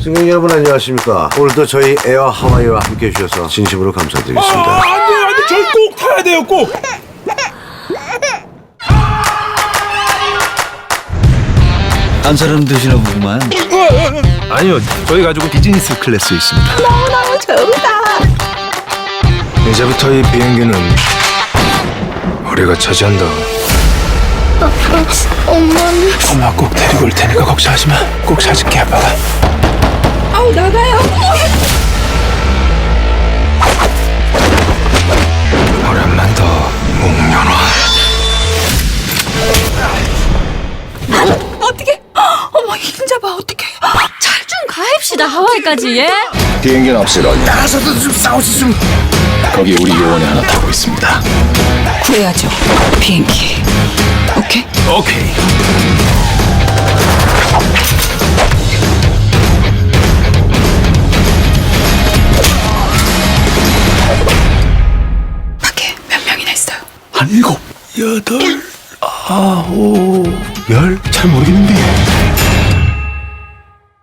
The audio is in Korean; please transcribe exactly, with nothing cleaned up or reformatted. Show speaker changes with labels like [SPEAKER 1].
[SPEAKER 1] 승객 여러분 안녕하십니까. 오늘도 저희 에어 하와이와 함께 해주셔서 진심으로 감사드리겠습니다.
[SPEAKER 2] 아, 안 돼요, 안 돼. 저희 꼭 타야 돼요, 꼭.
[SPEAKER 3] 한 사람 드시나 보구만.
[SPEAKER 2] 아니요, 저희 가족은 비즈니스 클래스에 있습니다.
[SPEAKER 4] 너무너무 좋다.
[SPEAKER 2] 이제부터 이 비행기는 우리가 차지한다.
[SPEAKER 4] 엄마는
[SPEAKER 2] 엄마 꼭 데리고 올 테니까 걱정하지 마. 꼭 찾을게, 아빠가.
[SPEAKER 4] 아우 나가요.
[SPEAKER 2] 오랜만 더 묵면화.
[SPEAKER 4] 어떻게? 어머 흰자봐 어떻게?
[SPEAKER 5] 잘 좀 가입시다 하와이까지. 예?
[SPEAKER 6] 비행기는 없애라.
[SPEAKER 2] 나가서도 좀 싸우지 좀.
[SPEAKER 6] 거기 우리 요원이 하나 타고 있습니다.
[SPEAKER 4] 구해야죠 비행기. 오케이.
[SPEAKER 2] 오케이.
[SPEAKER 4] 밖에 몇 명이나 있어요?
[SPEAKER 2] 한 일곱, 여덟, 아홉, 열? 잘 모르겠는데.